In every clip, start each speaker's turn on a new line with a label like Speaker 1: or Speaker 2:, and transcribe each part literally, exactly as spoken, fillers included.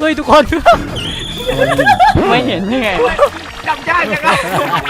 Speaker 1: เฮ้ยทุกคน
Speaker 2: ไม่เห็นได้ไงจำได้จังเลย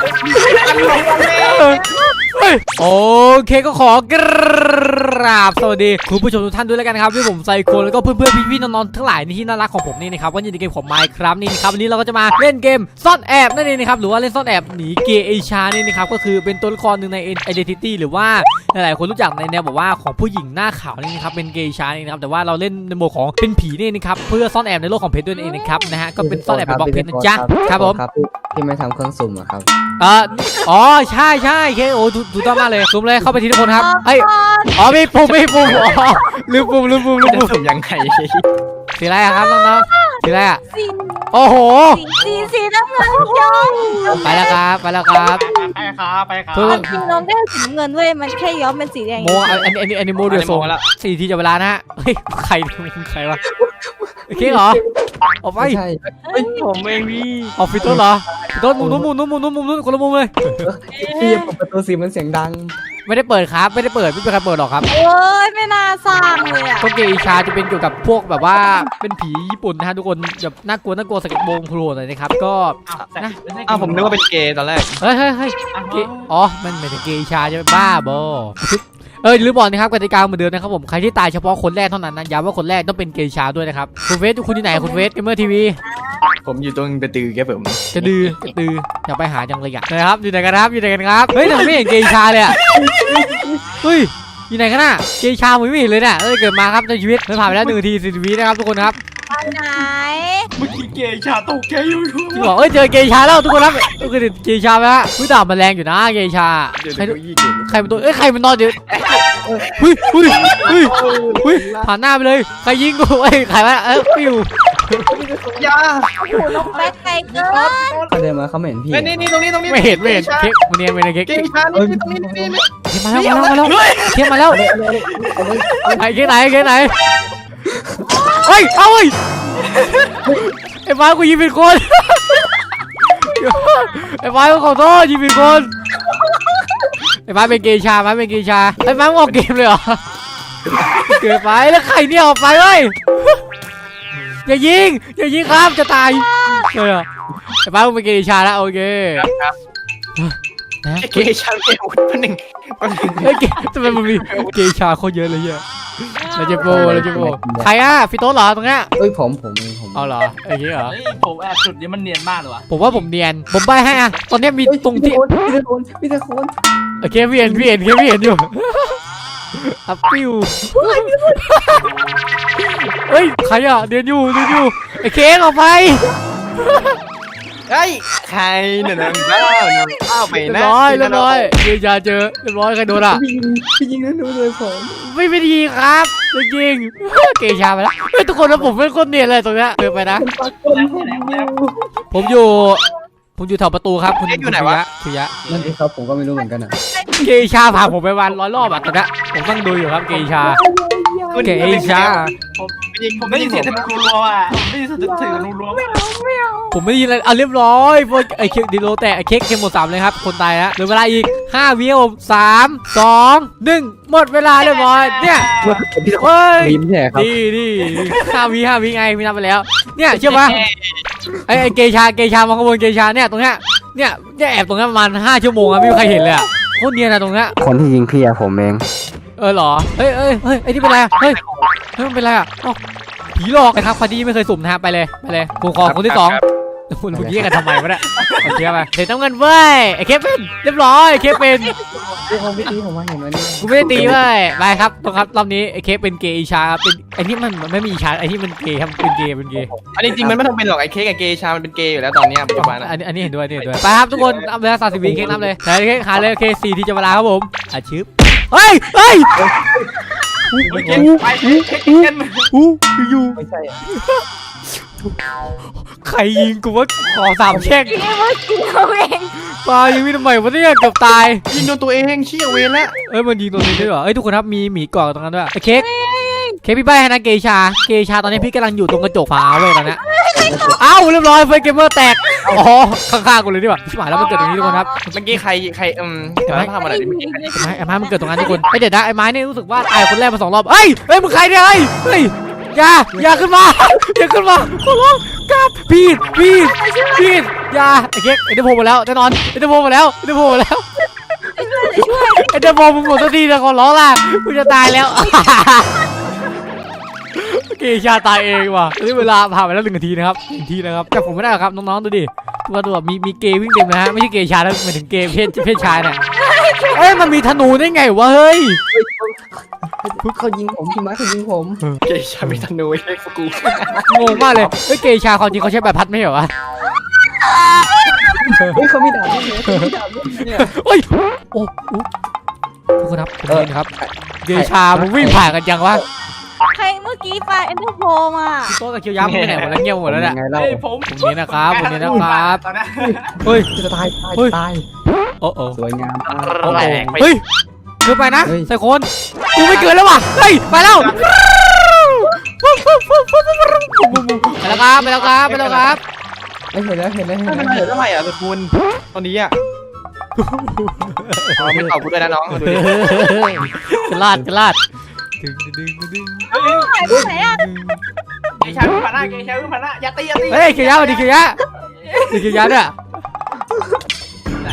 Speaker 1: โอเคก็ขอกราบสวัสดีคุณผู้ชมทุกท่านด้วยแล้วกันครับที่ผมไซโคแล้วก็เพื่อนๆพี่ๆน้องๆทั้งหลายที่น่ารักของผมนี่นะครับวันนี้ในเกมของ Minecraft นี่นะครับวันนี้เราก็จะมาเล่นเกมซ่อนแอบนั่นเองนะครับหรือว่าเล่นซ่อนแอบหนีเกย์เอชานี่นะครับก็คือเป็นตัวละครหนึ่งใน Identity หรือว่าหลายๆคนรู้จักในแนวแบบว่าของผู้หญิงหน้าขาวนี่นะครับเป็นเกย์เอชานี่นะครับแต่ว่าเราเล่นในโหมดของเป็นผีนี่นะครับเพื่อซ่อนแอบในโลกของเพชรด้วยเองนะครับนะฮะก็เป็นซ่อนแอบแบบบล็อกเพชรนะจ๊ะครับผม
Speaker 3: ที่ไม่ทำเครื่องสุ่มอะครับ
Speaker 1: เอออ๋อใช่ใช่เคโอถูกต้องมากเลยซูมเลยเข้าไปทีทุกคนครับเอ้ยอ๋อไม่ปุ่มไม่ปุ่มอ๋อลืมปุ่มลืมปุ่มลืมปุ่ม
Speaker 2: สุ่มยังไง
Speaker 1: สีอะไรครับน้องๆสีอะไรอ่ะโอ้โห
Speaker 4: สีสีน้ำเงินย้อม
Speaker 1: ไปแล้วครับไปแล้วครับ
Speaker 2: ไปครับไปครับ
Speaker 4: จริงน้องได้สีน้ำเงินเว้ยมันแค่ย้อมเป็นสีแดง
Speaker 1: โมอันอันอันอันนี้โมเดือดโซ่สี่ทีจะเวลานะฮะเฮ้ยใครใครวะโอเคเหรอออกไป
Speaker 3: ใช่
Speaker 2: ผมเองพี่
Speaker 1: ออกฟิตต้นเหรอฟิตต้นมุมนู้นมุมนู้นมุมนู้นมุมนู้นคนละมุมเลย
Speaker 3: พี่เปิดประตูสีมันเสียงดัง
Speaker 1: ไม่ได้เปิดครับไม่ได้เปิดไม่เป็นใครเปิดหรอกครับ
Speaker 4: โอ้ยไม่น่าสร้างเลยอ่ะ
Speaker 1: ต้นเกย์ชาจะเป็นเกี่ยวกับพวกแบบว่าเป็นผีญี่ปุ่นนะฮะทุกคนแบบน่ากลัวน่ากลัวสเก็ตโบว์โผล่หน่อยนะครับก็
Speaker 2: นะอ้าวผมนึกว่าเป็นเกย์ตอนแรก
Speaker 1: เฮ้ยเฮ้ยเฮ้ยอ๋อมันเป็นเกย์ชาจะเป็นบ้าบอเออหรือบอกนะครับกติกาเหมือนเดิมนะครับผมใครที่ตายเฉพาะคนแรกเท่านั้นนะย้ำว่าคนแรกต้องเป็นเกย์ชาด้วยนะครับคุณเฟสคุณที่ไหนคุณเฟสเกมเมอร์ทีวี
Speaker 2: ผมอยู่ตรงกระตือแกผม
Speaker 1: กระดือกระตืออยากไปหาจังเลยอ่ะนะครับอยู่ไหนกันครับอยู่ไหนกันครับเฮ้ยแต่ไม่เห็นเกย์ชาเลยอ่ะเฮ้ยอยู่ไหนกันน่ะเกย์ชาผมไม่เห็นเลยเนี่ยเอ้ยเกิดมาครับในชีวิตมันผ่านไปแล้วหนึ่งนาทีสี่สิบวินะครับทุกคนครับ
Speaker 4: ไหน
Speaker 2: เมื่อกี้เกย์ชาตกแกอยู่
Speaker 1: จริงเหรอเอ้ยเจอเกย์ชาแล้วทุกคนครับก็คือเกย์ชาไหมฮะผู้ด่ามันแรงอยู่นะเกย์ชาใครใครเป็นตัวเอ้ยใครมันนอนอยู่เฮ้ยเฮ้ยเฮ้ยเฮ้ยผ่านหน้าไปเลยใครยิงกูเอ้ยใครวะเอ้ยปิวย
Speaker 2: า
Speaker 4: โอ้โหน้องแบ๊กไกลเกิน
Speaker 3: เขาเดินมาเขาไม่เห็นพี่
Speaker 2: นี่นี่ตรงนี้ตรงนี้
Speaker 1: ไม่เห็นไม่เห็นเค้กมันเนี่ยมันเนี่ยเค้ก
Speaker 2: เกย์ชานี่ตรงนี้ตรงนี้
Speaker 1: เค้กมาแล้วมาแล้วมาแล้วเค้กมาแล้วไหนเค้กไหนเค้กไหนเฮ้ยเอาเฮ้ยไอ้ฟ้ากูยิงผิดคนไอ้ฟ้ากูขอโทษยิงผิดคนไอ้ฟ้าเป็นเกย์ชาฟ้าเป็นเกย์ชาไอ้ฟ้าออกเกมเลยเหรอเกิดไปแล้วใครเนี่ยออกไปเว้ยอย่ายิงอย่ายิงครับจะตายเลยเหรอไอ้ฟ้าเป็นเกย์ชาแล้วโอเค
Speaker 2: ครับเกย์ชาเกย์คนหนึ่งคนหนึ่ง
Speaker 1: เฮ้ยทำไมมันมีเกย์ชาโคตรเยอะเลยเยอะเราจะโบเราจะโบใครอ่ะฟิโต้เหรอตรงเนี้ย
Speaker 3: เอ้ยผมผมผม
Speaker 1: เอาเหรอไอ้เงี้ยเหรอ
Speaker 2: ผมแอบสุดนี้มันเนียนมากเลยวะ
Speaker 1: ผมว่าผมเนียนผมใบให้อ่ะตอนนี้มีตรงที่
Speaker 3: พี่ตะโกนพี่ตะโกน
Speaker 1: โอเคพี่เห็นพี่เห็นพี่เห็นอยู่อัพปิ้วเฮ้ยใครอ่ะเดินอยู่เดินอยู่ไอ้เค้กออกไป
Speaker 2: เฮ้ยใครเนี่ยนางเล่านางเล่าไปนะ
Speaker 1: ร้อยเรียบร้อยเดี๋ยวจะเจอเรียบร้อยใครโดนอ่ะ
Speaker 3: พี่ยิงนั่นดูเลยผม
Speaker 1: ไม่ไม่ดีครับจริงๆเกย์ชาไปแล้วเฮ้ยทุกคนแล้วผมเป็นคนเนียนเลยตรงเนี้ยเดินไปนะผมอยู่ผมอยู่แถวประตูครับคุณ
Speaker 2: อยู่ไหนวะ
Speaker 1: คุยะ
Speaker 3: นั่นเองครับผมก็ไม่รู้เหมือนกันอ่ะ
Speaker 1: เกย์ชาผ่านผมไปวันร้อยรอบอ่ะตอนนี้ผมต้องดูอยู่ครับเกย์ชาเกย์ชา
Speaker 2: ผมผมได้ยินเสียงทะลุรัวอ่ะผมได้ยินเสียงทะลุรัว
Speaker 1: ผมไม่ได้ยินอะไรอ่ะเรียบร้อยพวกไอ้เค้กดิโลแต่ไอ้เค้กเกมหมดสามเลยครับคนตายแล้วเหลือเวลาอีกห้าวิผมสามสองหนึ่งหมดเวลาเรียบร้อยเนี่ยเฮ้ยดีดีห้าวิห้าวิไงพี่นับไปแล้วเนี่ยเชื่อปะไอ้ไอ้เกย์ชาเกย์ชามาขโมยเกย์ชาเนี่ยตรงเนี้ยเนี่ยเนี่ยแอบตรงนี้ประมาณห้าชั่วโมงอะไม่มีใครเห็นเลยอะโคตรเนียนอะตรงเนี้ย
Speaker 3: คนที่ยิงพี่อะผมเอง
Speaker 1: เออเหรอเฮ้ยเฮ้ยเฮ้ยไอ้นี่เป็นไรอะเฮ้ยเฮ้ยมันเป็นไรอะผีหลอกนะครับคนที่ไม่เคยสุ่มนะฮะไปเลยไปเลยกูขอคนที่สองคุณคุณแยกกันทำไมวะเนี่ยโอเคไปเดี๋ยวต้องเงินเว้ยไอ้เคเป็นเรียบร้อยไอ้เคเป็น
Speaker 3: ผมไม่ตีผมว่าเห็นไหมนี่
Speaker 1: กูไม่ได้ตีเว้ยไปครับตรงครับรอบนี้ไอ้เคเป็นเกย์อีชาเป็นไอ้นี่มันไม่มีอีชาไอ้ที่มันเกย์ครับเป็นเกย์เป็นเกย์
Speaker 2: อันนี้จริงมันไม่ต้องเป็นหรอกไอ้เค้กกับเกย์ชามันเป็นเกย์อยู่แล้วตอนนี้ปัจจุบัน
Speaker 1: อันนี้อันนี้เห็นด้วยเห็นด้วยไปครับทุกคนเอาเวลาสามสิบวิเค้กนับเลยไหนเค้กหาเลยเคสี่ที่จะเวลาครับผมอาชิบเฮ้ยเฮ้ย
Speaker 2: ไปเค้กกัน
Speaker 1: อู้อยู่
Speaker 3: ไม่ใช่
Speaker 1: ใครยิงกูว่าขอสามแช่ง
Speaker 4: ยิงเมื่อกี้เขาเอง
Speaker 1: ปลายิงไม่ทำไมวะเนี่ยเกือบตาย
Speaker 2: ยิงโดนตัวเองเชี่ยเวรแล้ว
Speaker 1: เอ้ยมันยิงตัวนี้ด้วยเหรอเอ้ยทุกคนครับมีหมีเกาะตรงนั้นด้วยไอ้เค้กเค้กพี่ใบ้ให้นะเกย์ชาเกย์ชาตอนนี้พี่กำลังอยู่ตรงกระจกฟ้าเว้ยตอนนี้เอ้าเรียบร้อยไฟเกมเมอร์แตกอ๋อข้างๆกูเลยดีกว่าชิบหายแล้วมันเกิดตรงนี้ทุกคนครับ
Speaker 2: เมื่อกี้ใครใครอืมไอ้ไม้ทำอะไรดิเมื่อกี้ไ
Speaker 1: อ้ไม้ไอ้ไม้มันเกิดตรงนั้นทุกคนไอ้เด็ดนะไอ้ไม้เนี่ยรู้สึกว่าตายคนแรกมาสองรอบเฮ้ยเฮ้ยมึงใครเนี่ยเฮ้ยเฮ้ยอย่าอย่าขึ้นมาอย่าขึ้นมาขอร้องกราบพี่พี่พี่อย่าไอ้เค้กไอ้เดโพมาแล้วแน่นอนไอ้เดโพมาแล้วไอ้เดโพมาแล้วไอ้เดโพมึงหมดสักทีนะขอร้องล่ะกูจะตายแล้วเกชาตายเองว่ะนี่เวลาผ่านไปแล้วหนึ่งนาทีนะครับหนึ่งนาทีนะครับแต่ผมไม่ได้หรอกครับน้องๆดูดิตัวตัวมีมีเกย์วิ่งเต็มนะฮะไม่ใช่เกย์ชายแล้วหมายถึงเกย์เพศเพศชายเนี่ยเอ้ยมันมีธนูได้ไงวะเฮ้ย
Speaker 3: เขายิงผมพี่มาร์คเขายิงผม
Speaker 2: เกย์ชามีธนูไอ้เด็กกู
Speaker 1: งงมากเลยเฮ้ยเกย์ชายความจริงเขาใช้แบบพัดไม่ใช่เหรอวะ
Speaker 3: เฮ้ยเขามีดาบด้วยเขามีดาบด้วยเนี่ย
Speaker 1: เฮ้ยโอ้โหทุกคนครับผมเห็นครับเกย์ชามันวิ่งผ่านกันยังวะ
Speaker 4: ใครเมื่อกี้ปลาเอ็นเตอร์โพมา
Speaker 1: โต๊ะตะเคียวยักษ์ไปไหนหมดแล้วเงี้ยหมดแล้วเนี่ย
Speaker 3: ไงเล่า
Speaker 2: เฮ้ยผม
Speaker 1: ผมนี้นะครับผมนี้นะครับ
Speaker 2: ตอนนี้
Speaker 1: เฮ้ย
Speaker 3: จะตายตาย
Speaker 1: เฮ้ย
Speaker 3: ตาย
Speaker 1: โอ้โห
Speaker 3: สวยงามมาก
Speaker 1: โอ้โห
Speaker 2: แรงไป
Speaker 1: เฮ้ยเกินไปนะ
Speaker 3: เฮ้ย
Speaker 1: ใส่คนกูไม่เกินแล้วว่ะเฮ้ยไปแล้วไปแล้วครับไปแล้วครับไปแล้วครับ
Speaker 3: เอ้ยเห็นแล้วเห็นแล้วเห็น
Speaker 2: มัน
Speaker 3: แล้ว
Speaker 2: เหลือเท่าไหร่อ่ะสุดคุณตอนนี้อ่ะอ๋อไม่ตอบกูด้วยนะน้องดูดิ
Speaker 1: กระลาดกระลาดดึงดึงดึงดึง
Speaker 2: เฮ้ย
Speaker 4: หายไปไหนอ่ะ
Speaker 2: เกย์ชาวิ่งผ่านหน้าเกย์ชาวิ่งผ่านหน้าอย่าตีอย่าตี
Speaker 1: เฮ้ยเขียวยะสวัสดีเขียวยะสวัสดีเขียวยะเนี่ย
Speaker 2: ไหน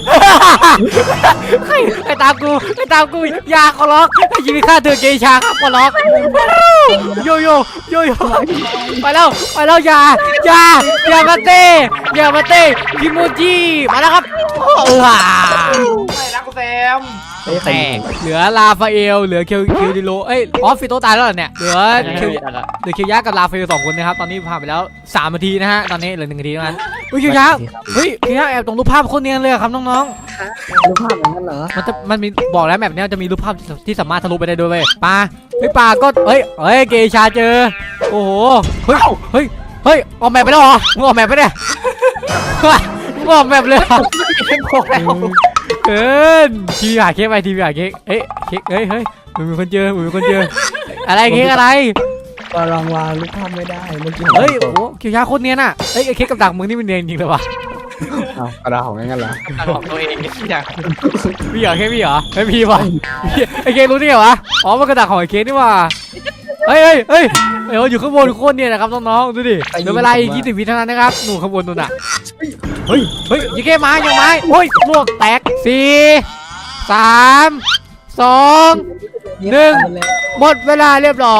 Speaker 1: ไอ้ตามกูไอ้ตามกูอย่าขอร้องให้ชีวิตข้าเธอเกย์ชาครับขอร้องโยโย่โยโย่ไปแล้วไปแล้วอย่าอย่าอย่ามาเต้อย่ามาเต้คิโมจิมาแล้วครับเออ
Speaker 2: ไม่รักกูแซม
Speaker 3: เฮ้ยใคร
Speaker 1: แต
Speaker 3: ยิง
Speaker 1: กเหลือลาฟาเอลเหลือเคิวคิวดิโลเอ้ยออฟฟิโตตายแล้วเหรอเนี่ยเหลือเคิวเหลือเคิวยะกับลาฟาเอลสองคนนะครับตอนนี้ผ่านไปแล้วสามนาทีนะฮะตอนนี้เหลือหนึ่งนาทีเท่านั้นเฮ้ยเคิวยะเฮ้ยเคิวยะแอบตรงรูปภาพโคตรเนียนเลยอะครับน้องๆ
Speaker 3: รูปภาพอย่างนั้นเหรอ
Speaker 1: มันจะมันมีบอกแล้วแบบเนี้ยจะมีรูปภาพที่ที่สามารถทะลุไปได้ด้วยเว้ยปลาเฮ้ยปลาก็เฮ้ยเฮ้ยเกชาเจอโอ้โหเฮ้ยเฮ้ยเฮ้ยออกแมปไปแล้วเหรอมึงออกแมปไปเนี่ยมึงออกแมปเลยเหรอ
Speaker 2: เป็นพวกแล้ว
Speaker 1: เกินทีวีหาเค้กไปทีวีหาเค้กเอ้ยเค้กเฮ้ยเฮ้ยมึงมีคนเจอมึงมีคนเจออะไรเค้กอะไร
Speaker 3: ก็ลองวางรูปภาพไม่ได้เมื่อกี้
Speaker 1: เฮ้ยโอ้โหเคียวยาโคตรเนียนอ่ะเฮ้ยไอ้เค้กกับดักมึงนี่มันเนียนจริงเลยวะ
Speaker 3: เอากระดาษของงั้นเหรอ
Speaker 2: ตัดของตัวเองเนี่ย
Speaker 1: พี่เหรอเค้กพี่เหรอไม่พี่วะไอ้เค้กรู้ได้ไงวะอ๋อมันกระดักของไอ้เค้กนี่ว่ะเฮ้ยเฮ้ยเฮ้ยเอ้ยอยู่ข้างบนโคตรเนียนนะครับน้องๆดูดิเหลือเวลาอีกยี่สิบวิเท่านั้นนะครับหนูข้างบนนู่นน่ะเฮ้ยเฮ้ยยิงแค่ไม้ยิงไม้โอ้ยลวกแตกสี่สามสองหนึ่งหมดเวลาเรียบร้อย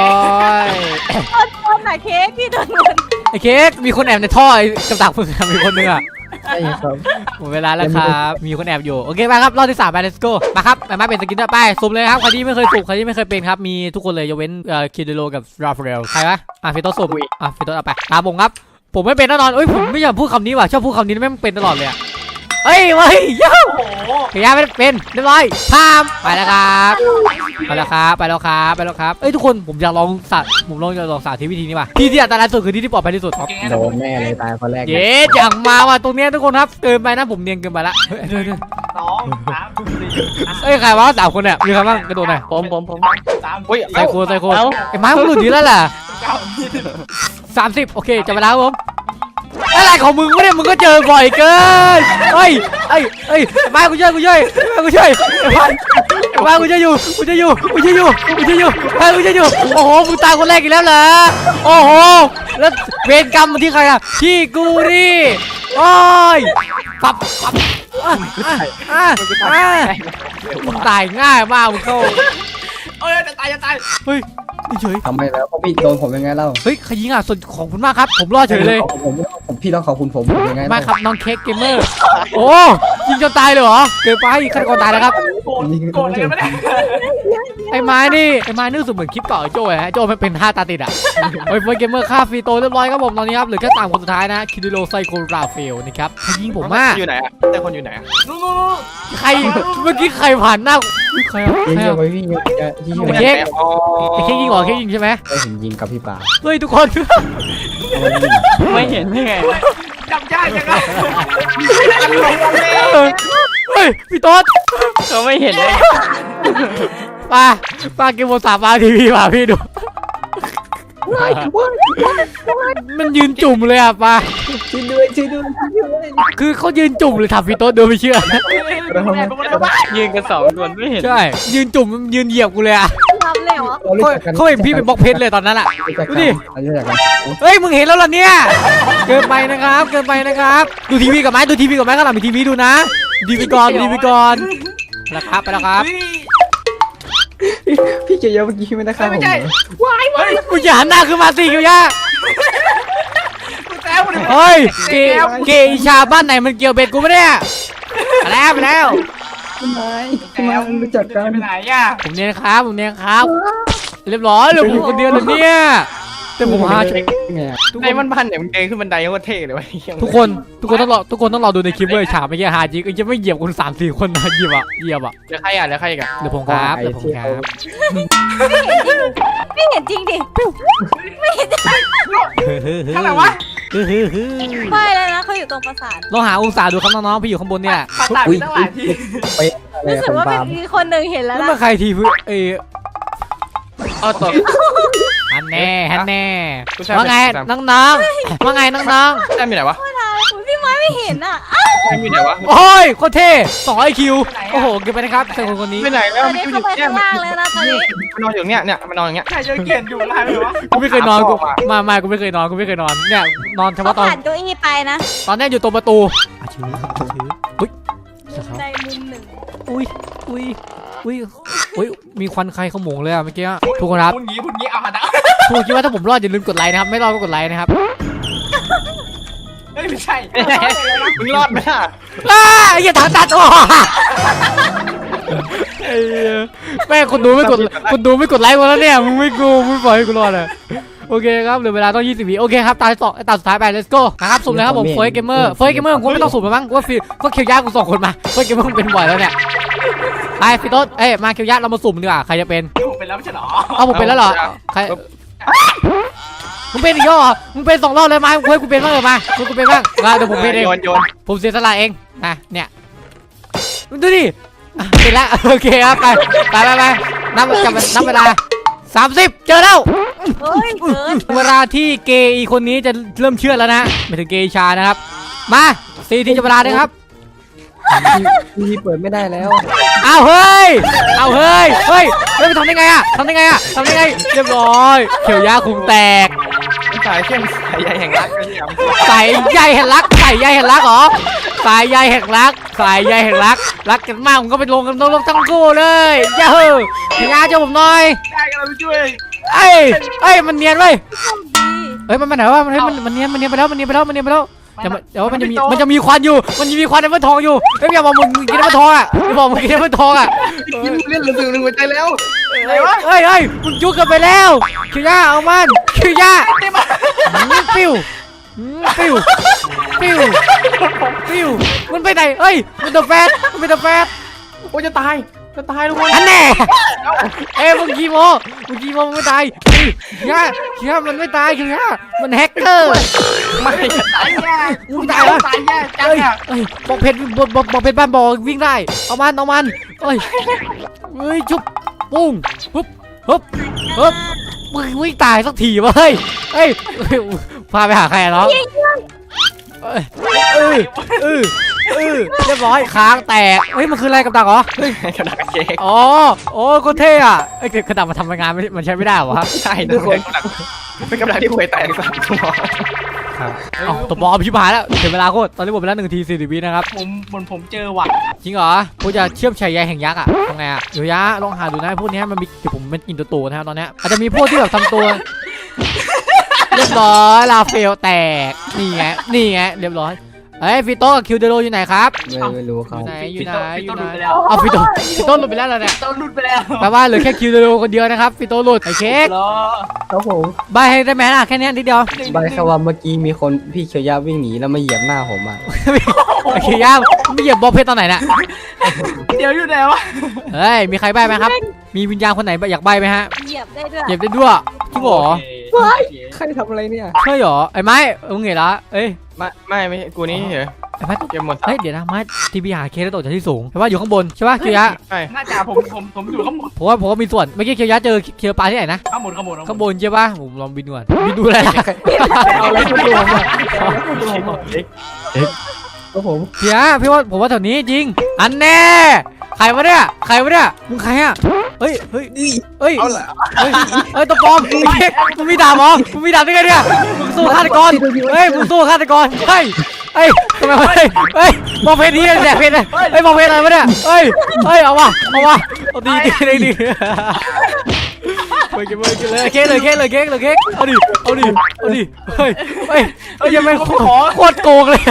Speaker 4: คนไหนเค้กพี่โดนมัน
Speaker 1: ไอ้เค้กมีคนแอบในท่อไอ้กับดักมึงอะมีคนนึงอ่ะ
Speaker 3: ใช่ครับ
Speaker 1: หมดเวลาแล้วครับมีคนแอบอยู่โอเคไปครับรอบที่สามไป let's go มาครับมามาเป็นสกินต่อไปสุ่มเลยครับใครที่ไม่เคยสุ่มใครที่ไม่เคยเป็นครับมีทุกคนเลยยกเว้นเอ่อคิดโลกับราฟาเอลใครวะอ่ะฟิโต้สุ่มอ่ะฟิโต้เอาไปตามผมครับผมไม่เป็นแน่นอนเอ้ยผมไม่อยากพูดคำนี้ว่ะชอบพูดคำนี้ไม่เป็นตลอดเลยอะเฮ้ยเฮ้ยย่า
Speaker 2: โอ้โห
Speaker 1: ขยะไม่เป็นเรียบร้อยพามไปแล้วครับไปแล้วครับไปแล้วครับไปแล้วครับเอ้ยทุกคนผมอยากลองสาผมลองอยากลองสาธิตวิธีนี้ว่ะที่ที่อันตรายสุดคือที่ที่ปลอดภัยที่สุดครับ
Speaker 3: โดนแน่เลยตายคนแรก
Speaker 1: เย้จังมาว่ะตรงเนี้ยทุกคนครับเกินไปนะผมเนียนเกินไปละเฮ้ยเดี๋ยวเดี๋ยว
Speaker 2: สองสามสี่
Speaker 1: เอ้ยใครวะสามคนเนี่ยมีใครบ้างกระโดดหน่อย
Speaker 2: ผมผมผมสามเฮ้ย
Speaker 1: ใส่โคนใส่โคนไอ้ไม้มันหลุดดีแล้วแหละ
Speaker 2: เก้ายี่สิบ
Speaker 1: สามสิบโอเคจับเวลาครับผมอะไรของมึงวะเนี่ยมึงก็เจอบ่อยเกินเฮ้ยเฮ้ยเฮ้ยไอ้ไม้กูช่วยกูช่วยไอ้ไม้กูช่วยไอ้ไม้ไอ้ไม้กูจะอยู่กูจะอยู่กูจะอยู่กูจะอยู่ไอ้กูจะอยู่โอ้โหมึงตายคนแรกอีกแล้วเหรอโอ้โหแล้วเวรกรรมมันที่ใครอะที่กูนี่โอ้ยปับปับอ่ะอ่ะอ่ะอ่ะมึงตายง่ายมากมึงเข้า
Speaker 2: เอ้ยจะตายจะตาย
Speaker 1: เฮ้ยเฉย
Speaker 3: ทำไมแล้วเขาพี่โดนผมยังไงเล่า
Speaker 1: เฮ้ยใครยิงอ่ะส่วนของคุณมากครับผมรอดเฉยเลย
Speaker 3: ผมผมพี่ต้องขอบคุณผมยังไง
Speaker 1: มาครับน้องเค้กเกมเมอร์โอ้ยิงจนตายเลยเหรอเกินไปฆาตกรตายแล้วครับ
Speaker 2: โกรธโกรธอะไรกันไม่ได้
Speaker 1: ไอ้ไม้นี่ไอ้ไม้นี่รู้สึกเหมือนคลิปเก่าไอ้โจ้ฮะโจ้มันเป็นท่าตาติดอ่ะโอ้ยเฟิร์สเกมเมอร์ฆ่าฟรีโตเรียบร้อยครับผมตอนนี้ครับเหลือแค่สามคนสุดท้ายนะคิดิโลไซโคราเฟลนะครับใครยิงผมมาก
Speaker 2: อยู่ไหนอะแต่คนอยู่ไหนอะนู่นนู่น
Speaker 1: ใครเมื่อกี้ใครผ่านหน้าอุ๊ยใครอ่ะ
Speaker 3: ยิง
Speaker 1: ใคร
Speaker 3: เยอะ
Speaker 1: อ่ะ
Speaker 3: ไปพี่เยอะที่เย
Speaker 1: ไอ้
Speaker 3: อะ
Speaker 1: เค้ก ไอ้เค้กยิงเหรอเค้กยิงใช่ไหม
Speaker 3: ไอ้ผมยิงกับพี่ป่า
Speaker 1: เฮ้ยทุกคน
Speaker 2: ไม่เห็นได้ไงจับยากจังเลย
Speaker 1: เฮ้ยพี่โต๊ด
Speaker 2: เขาไม่เห็นเลย
Speaker 1: ป้าป้าเกมโมสามมาทีวีป่ะพี่ดูมันยืนจุ่มเลยอ่ะป้า
Speaker 3: ช่วยด้วยช่วยด้วยช่วยด้วย
Speaker 1: คือเขายืนจุ่มเลยถามพี่โต๊ดเดินไม่เชื่อ
Speaker 2: ยืนกันสองคนไม่เห็น
Speaker 1: ใช่ยืนจุ่มยืนเหยียบกูเลยอ่ะ
Speaker 4: ทำเลยเหรอ
Speaker 3: เรารู้
Speaker 1: เขา
Speaker 3: จักกัน
Speaker 1: เขาเห็นพี่เป็นบล็อกเพชรเลยตอนนั้นอะ
Speaker 3: รู้จัก
Speaker 1: ดู
Speaker 3: กัน
Speaker 1: ดิ
Speaker 3: เรารู้จักกัน
Speaker 1: เฮ้ยมึงเห็นแล้วเหรอเนี่ยเกินไปนะครับเกินไปนะครับดูทีวีกับไหมดูทีวีกับไหมข้างหลังมีทีวีดูนะดูทีวีก่อนดูทีวีก่อนไปแล้วครับไปแล้วครับ
Speaker 3: พี่เกียร์เมื่อกี้ไม่ได้ฆ่าผม
Speaker 2: ไม่ใช่
Speaker 3: เหรอ
Speaker 2: วายวาย
Speaker 1: มึงอย่าหันหน้าขึ้นมาสิเกียวยา
Speaker 2: กูแซวมัน
Speaker 1: เฮ้ยเกเกอิชาบ้านไหนมันเกี่ยวเบ็ดกูไม่เนี่ยไปแล้วไปแล้ว
Speaker 3: พี่ไม้พี่ไม้รู้จักกัน
Speaker 2: ไปไหนอ่ะ
Speaker 1: ผมเนี่ยนะครับผมเนี่ยครับ เรียบร้อยเหลือผมคนเดียวเลยเนี่ยแต่ผมหาชุด
Speaker 3: ไงอะ
Speaker 1: ทุก
Speaker 2: ใน
Speaker 1: คน
Speaker 2: มันพันเนี่ยมันเดินขึ้นบันไดก็เท่เลยวะ
Speaker 1: ทุกคนทุกคนต้องรอทุกคนต้องรอดูในคลิปเว้ยฉากเมื่อกี้หาจริงเอ้ยจะไม่เหยียบคนสามสี่คนนะเหยียบอ่ะเหยียบอ่ะ
Speaker 2: เดี๋ยวใครอ่ะเดี๋ยวใครอีกัน
Speaker 1: เดี๋ยวผมครับเดี๋ยวผมครับ
Speaker 4: ไม่เห็นจริงดิ
Speaker 2: ข้างหลังวะ
Speaker 4: ไม่แล้วนะเขาอยู่ตรงปราสาท
Speaker 1: ลองหาองศาดูครับน้องๆพี่อยู่ข้างบนเนี่ย
Speaker 2: ปาตามีตั้งหลายที่
Speaker 3: ไปอะไร
Speaker 4: รู้
Speaker 3: อะ
Speaker 4: สึก
Speaker 3: คน
Speaker 4: ว่า
Speaker 3: ปาล์ม
Speaker 4: มีคนหนึ่งเห็นแล้ว
Speaker 1: นั่น
Speaker 4: ล่ะ
Speaker 1: มันใครทีพื้นเอย
Speaker 2: เอาตก
Speaker 1: ฮันแน่ฮันแน่
Speaker 2: กูใช่
Speaker 1: ว่าไง
Speaker 2: กูใช่
Speaker 1: น้องๆว่าไงน้อง
Speaker 2: แซมอยู่ไหนวะ
Speaker 4: อุ๊ยพี่ไม้ไม่เห็นอ่ะ
Speaker 2: แซมอยู่ไหนวะ
Speaker 1: ๆโอ้ยโคตรเท่สองไอคิวโอ้โหเก็บไปนะครับใส่คนคนนี้
Speaker 2: ไปไหน
Speaker 4: ต
Speaker 2: แล้ว
Speaker 4: อน
Speaker 2: มัน
Speaker 4: นี้
Speaker 2: อยู่
Speaker 4: เข้าไป
Speaker 2: เนี่ย
Speaker 4: ข้างล่างเลยนะตอนนี้
Speaker 2: มันนอนอยู่เนี่ยเนี่ยมันนอนอย่างเงี้ยใครจะเกียนอยู่อะไรวะ
Speaker 1: กูไม่เคยนอนกูมามากูไม่เคยนอนกูไม่เคยนอนเนี่ยนอนเฉ
Speaker 4: เขา
Speaker 1: พาะตอน
Speaker 4: ผ่านเก้าอี้ไปนะ
Speaker 1: ตอนนี้อยู่ตรงประตูอ่ะชื้อชื้ออุ้ย
Speaker 4: ในมุมหนึ่ง
Speaker 1: อุ้ยอุ้ยอุ้ยอุ้ยมีควันใครขโมงเลยอะเมื่อกี้ทุกคนครับ
Speaker 2: พูดงี้พูดงี้เอาหันหน้า
Speaker 1: ทุกคนคิดว่าถ้าผมรอดอย่าลืมกดไลค์นะครับไม่รอดก็กดไลค์นะครับ
Speaker 2: เฮ้ยไม่ใช่มึงรอดไหมอ่ะ
Speaker 1: อ้าอย่าถามตัดโอ้ไอ้เหี้ยแม่งคนดูไม่กดคนดูไม่กดไลค์มาแล้วเนี่ยมึงไม่กูไม่ปล่อยให้กูรอดเลยโอเคครับเหลือเวลาต้องยี่สิบวิโอเคครับตาต่อตาสุดท้ายไป let's go นะครับสุ่มเลยครับผมเฟย์เกมเมอร์เฟย์เกมเมอร์กูไม่ต้องสุ่มแล้วมั้งกูว่าฟิลก็เคียวยากูส่งคนมาเฟย์เกมเมอร์เป็นบ่อยแล้วเนี่ยไปฟิโต้เอ้ยมาเคียวยาเรามาสุ่มดีกว่าใครจะเป็น
Speaker 2: ผมเป็นแล้วไม่ใช่หรอ
Speaker 1: เอาผมเป็นแล้วเหรอใครมึงเป็นอีกแล้วเหรอมึงเป็นสองรอบเลยมาเฮ้ยกูเป็นบ้างเลยมาเฮ้ยกูเป็นบ้างมาเดี๋ยวผมเป็นเอง
Speaker 2: โยนโยน
Speaker 1: ผมเสียสละเองนะเนี่ยดูดิอ่ะเป็นแล้วโอเคครับไปไปไปไปนับจับนับเวลาสามสิบเจอแล้ว
Speaker 4: เฮ้ยเกิน
Speaker 1: เวลาที่เกย์อีคนนี้จะเริ่มเชื่อแล้วนะไม่ถึงเกย์ชานะครับมาสี่ทีจะเวลาเลยครับ
Speaker 3: ทีวีเปิดไม่ได้แล้ว
Speaker 1: เอาเฮ้ยเอาเฮ้ยเฮ้ยเฮ้ยไปทำได้ไงอะทำได้ไงอะทำได้ไงเรียบร้อยเขียวยาคุงแตก
Speaker 2: สายเข้มสายใยแห่งรักก็ยัง
Speaker 1: ใส่ใยแห่งรักใส่ใยแห่งรักเหรอสายใยแห่งรักสายใยแห่งรักรักกันมากผมก็ไปลงกันลงทั้งคู่เลยย่าเฮ้ยเขียวยาเจ้าผมหน่อย
Speaker 2: ได้กันเราช่วย
Speaker 1: เอ้ยเอ้ยมันเนียนเว้ย
Speaker 4: ดี
Speaker 1: เฮ้ยมันมันไหนวะมันเฮ้ยมันมันเนียนมันเนียนไปแล้วมันเนียนไปแล้วมันเนียนไปแล้วแต่มันแต่ว่ามันจะมีมันจะมีควันอยู่มันจะมีควันในมันทองอยู่เฮ้ยอย่าบอกมึงกินมันทองอ่ะอย่าบอกมึงกินมันทองอ่ะ
Speaker 2: กินเล่นเหลือหนึ่งหัวใจแล้ว
Speaker 1: เฮ้ยเฮ้ยเฮ้ยมึงจุกกันไปแล้วคิวยาเอามันคิวยาปิ้วปิ้วปิ้วปิ้วมันไปไหนเฮ้ยมันตัวแฟตมันเป็นตัวแฟต
Speaker 2: โอ้จะตายจะตายทุกคน
Speaker 1: อันแน่เอ้ยมึงกี่โมมึงกี่โมมึงไม่ตายคิวยาคิวยามันไม่ตายคิวยามันแฮกเกอร์
Speaker 2: ไม่ตายแย่
Speaker 1: มึงตายวะ
Speaker 2: ตายแย่จัง
Speaker 1: เอ้ย
Speaker 2: อ่ะ
Speaker 1: เอ้ยบอกเพชรบอกบอกบอกเพชรบ้านบอกวิ่งได้เอามันเอามันเอ้ยเฮ้ยชุบปุ้งฮึบฮึบฮึบมึงวิ่งตายสักทีวะเฮ้ยเฮ้ยพาไปหาใครอะน้องเอ้ยเออเออเออเรียบร้อยค้างแตกเฮ้ยมันคืออะไรกับดักเหรอ
Speaker 2: กระดาษเค้ก
Speaker 1: อ๋อโอ้ก็เท่อะไอ้ยกระดักมาทำงานไม่มันใช้ไม่ได้เหรอวะ
Speaker 2: ใช่ทุกคนเป็นกระดาษที่ห่วยแตกสามตัว
Speaker 1: ครับอ๋อตัวบอลพิพายแล้วเสียเวลาโคตรตอนนี้หมดไปแล้วหนึ่งทีสี่สิบวินะครับ
Speaker 2: ผมบนผมเจอหวัด
Speaker 1: จริงเหรอกูจะเชื่อมชายใยแห่งยักษ์อะทำไงอะเดี๋ยวยะลองหาดูนะพวกเนี้ยมันมีเดี๋ยวผมเป็นอินโตโตนะครับตอนเนี้ยอาจจะมีพวกที่แบบทำตัวเรียบร้อยลาเฟลแตกนี่ไงนี่ไงเรียบร้อยเฮ้ยฟิโต้กับคิวเดโรอยู่ไหนครับ
Speaker 3: ไม่ไม่รู้
Speaker 1: อ
Speaker 3: เขา
Speaker 1: ยู่ไหนอยู่ไหนอยู่ไหน
Speaker 2: แล้ว
Speaker 1: เอาฟิโต้ฟิโต้หลุดไปแล้วเหรอเนี่ย
Speaker 2: ต้นรุดไปแล้ว
Speaker 1: แปลว่าเหลือแค่คิวเดโรคนเดียวนะครับฟิโต้หลุดไอ้เค้ก
Speaker 2: รอ
Speaker 3: ครับผม
Speaker 1: ใบให้ได้ไหมล่ะแค่เนี้ยนิดเดียว
Speaker 3: ใบแค่ว่าเมื่อกี้มีคนพี่เขียวยาวิ่งหนีแล้วมาเหยียบหน้าผมอ่ะ
Speaker 1: ไอ้เคียย่าไม่เหยียบบอลเพชรตอนไหนน่ะ
Speaker 2: เดี๋ยวอยู่ไหนวะ
Speaker 1: เฮ้ยมีใครใบไหมครับ มีวิญญาณคนไหนอยากใบไหมฮะ
Speaker 4: เหยียบได้ด้วย
Speaker 1: เหยียบได้ด้วยจริงเหรอ
Speaker 3: ใครทำอะไรเนี่ย
Speaker 1: ใช่เหรอไอ้ไม้มึงเห็นละเอ้ย
Speaker 2: ไม่ไม่ไม่กูนี่เหรอ
Speaker 1: ไอ้ไม้
Speaker 2: เกมหมด
Speaker 1: เฮ้ยเดี๋ยวนะไม้ทีพีหาเคสแล้วตกจากที่สูงแต่ว่าอยู่ข้างบนใช่ป่ะเคียวยะ
Speaker 2: ใช่น่าจะผมผมผมอยู่ข้างบน
Speaker 1: ผมว่าผมว่ามีส่วนเมื่อกี้เคียวยะเจอเคียวปลาที่ไหนนะ
Speaker 2: ข้างบนข้างบน
Speaker 1: ข้างบนใช่ป่ะผมลองบินก่อนบินดูอะไรล่ะ
Speaker 3: เอาอะไรมาดูผมอ่ะ
Speaker 2: เอ็ก
Speaker 3: ครับผม
Speaker 1: เฮียพี่ว่าผมว่าแถวนี้จริงอันแน่ใครวะเนี่ยใครวะเนี่ยมึงใครอ่ะเฮ้ยเฮ้ยเฮ้ย
Speaker 2: เอาละ
Speaker 1: เฮ้ยเฮ้ยตัวปลอมไอ้เหี้ยมึงมีดาบเหรอมึงมีดาบได้ไงเนี่ยมึงสู้ฆาตกรเฮ้ยมึงสู้ฆาตกรเฮ้ยเฮ้ยทำไมวะเฮ้ยเฮ้ยมองเพจนี้แดกเพจเลยเฮ้ยมองเพจอะไรวะเนี่ยเฮ้ยเฮ้ยเอาวะเอาวะเอาดีดีดีดีไปกินไปกินเลยเค้กเลยเค้กเลยเค้กเลยเค้กเอาดิเอาดิเอาดิเฮ้ยเฮ้ยเฮ้ยยังไม่โคตรโกงเลย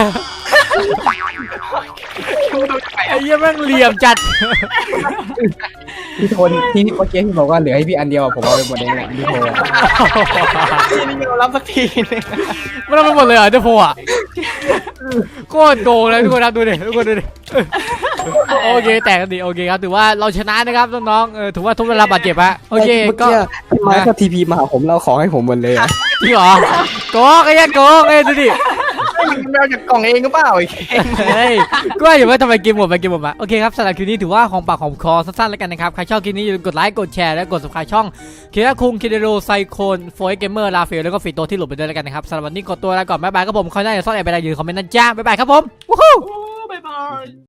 Speaker 1: ไอ้ยังแม่งเหลี่ยมจัด
Speaker 3: พี่โทนที่เมื่อกี้ที่บอกว่าเหลือให้พี่อันเดียวผมเอาไปหมดเองแหละพี่โทน
Speaker 2: พี่นี่ยอมรับสักทีนึง
Speaker 1: ไม่ต้องไปหมดเลยเหรอเจ้าโฟอ่ะโคตรโกงเลยทุกคนครับดูดิทุกคนดูดิโอเคแตกกันดีโอเคครับถือว่าเราชนะนะครับน้องๆเออถือว่าทุกเวลาบาดเจ็บอะโอเค
Speaker 3: เมื่อ
Speaker 1: ก็
Speaker 3: กี้พี่ไม้ก็ทีพีมาหาผมเราขอให้ผมหมดเลยอะ
Speaker 1: จริงเหรอโกงไอ้ยันโกงเอ้ยดูดิ
Speaker 2: แมวจากกล่องเองก็เปล่าไอ้เค้ก
Speaker 1: เฮ้ยก็ว่าอยู่ว่าทำไมเกมหมดไปเกมหมดมาโอเคครับสำหรับคลิปนี้ถือว่าของปากของคอสั้นๆแล้วกันนะครับใครชอบคลิปนี้อย่าลืมกดไลค์กดแชร์และกด subscribe ช่องเคียร์คุงคิเดโรไซโคนโฟร์เกมเมอร์ลาเฟลแล้วก็ฟีโตที่หลุดไปด้วยแล้วกันนะครับสำหรับวันนี้ขอตัวลาก่อนบ๊ายบายครับผมคอยหน้าอย่าซ่อนแอบไปได้ยืนคอมเมนต์นะจ้าบ๊ายบายครับผมวู้ฮู้
Speaker 2: บ๊ายบาย